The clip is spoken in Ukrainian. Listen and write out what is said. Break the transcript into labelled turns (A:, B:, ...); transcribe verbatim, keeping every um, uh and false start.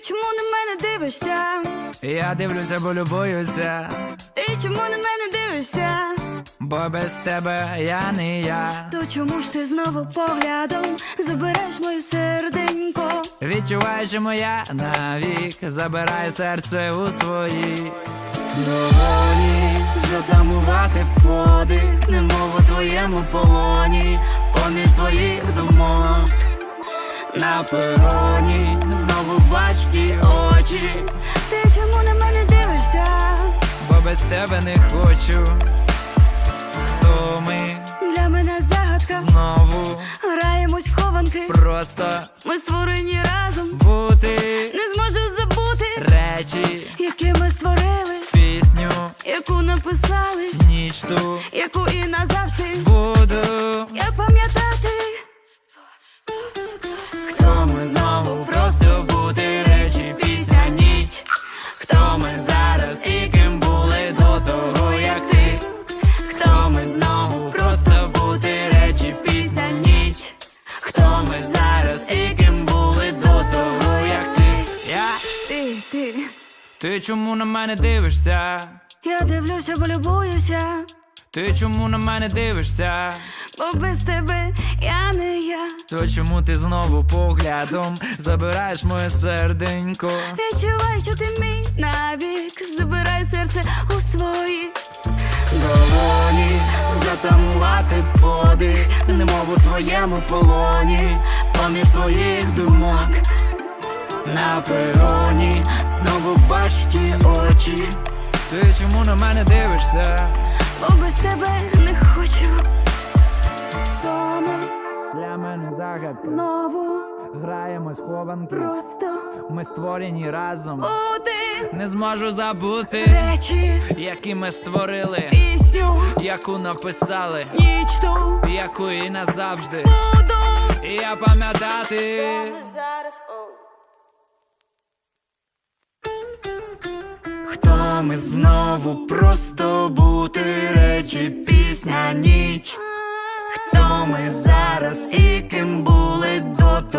A: чому на мене дивишся?
B: Я дивлюся, бо любуюся.
A: Ти чому на мене дивишся?
B: Бо без тебе я не я.
A: То чому ж ти знову поглядом забереш моє серденько?
B: Відчуваю, що моя навік забирає серце у свої долоні.
A: Затамувати подих, немов у твоєму полоні, поміж твоїх думок. На пероні знову бач ті очі. Ти чому на мене дивишся?
B: Бо без тебе не хочу. Хто ми?
A: Для мене загадка.
B: Знову
A: Граємось в хованки.
B: просто
A: Ми створені разом.
B: бути.
A: Не зможу забути
B: Речі,
A: які ми створили,
B: пісню,
A: яку написали,
B: ніч ту
A: яку і назавжди
B: буду.
A: як пам'ятати. Хто ми знову, просто бути, речі, пісня, ніч. Хто ми зараз і ким були до того, як ти? Хто ми знову, просто бути, речі, пісня, ніч. Хто ми зараз і ким були до того, як ти?
B: Я?
A: Ти, ти.
B: Ти чому на мене дивишся?
A: Я дивлюся, бо любуюся,
B: Ти чому на мене дивишся?
A: бо без тебе я не я.
B: То чому ти знову поглядом забираєш моє серденько?
A: Відчувай, що ти мій навік, забирай серце у свої долоні. Затамувати подих, немов у твоєму полоні, поміж твоїх думок. На пероні знову бач ті очі.
B: Ти чому на мене дивишся?
A: Бо без тебе не хочу. Дома
B: Для мене загадка.
A: знову
B: Граємось в хованки.
A: просто
B: Ми створені разом.
A: бути,
B: Не зможу забути,
A: речі,
B: які ми створили,
A: пісню,
B: яку написали,
A: ніч ту
B: яку і назавжди.
A: буду.
B: І я пам'ятати.
A: Зараз, хто ми знову, просто бути, речі, пісня, ніч. Хто ми зараз і ким були до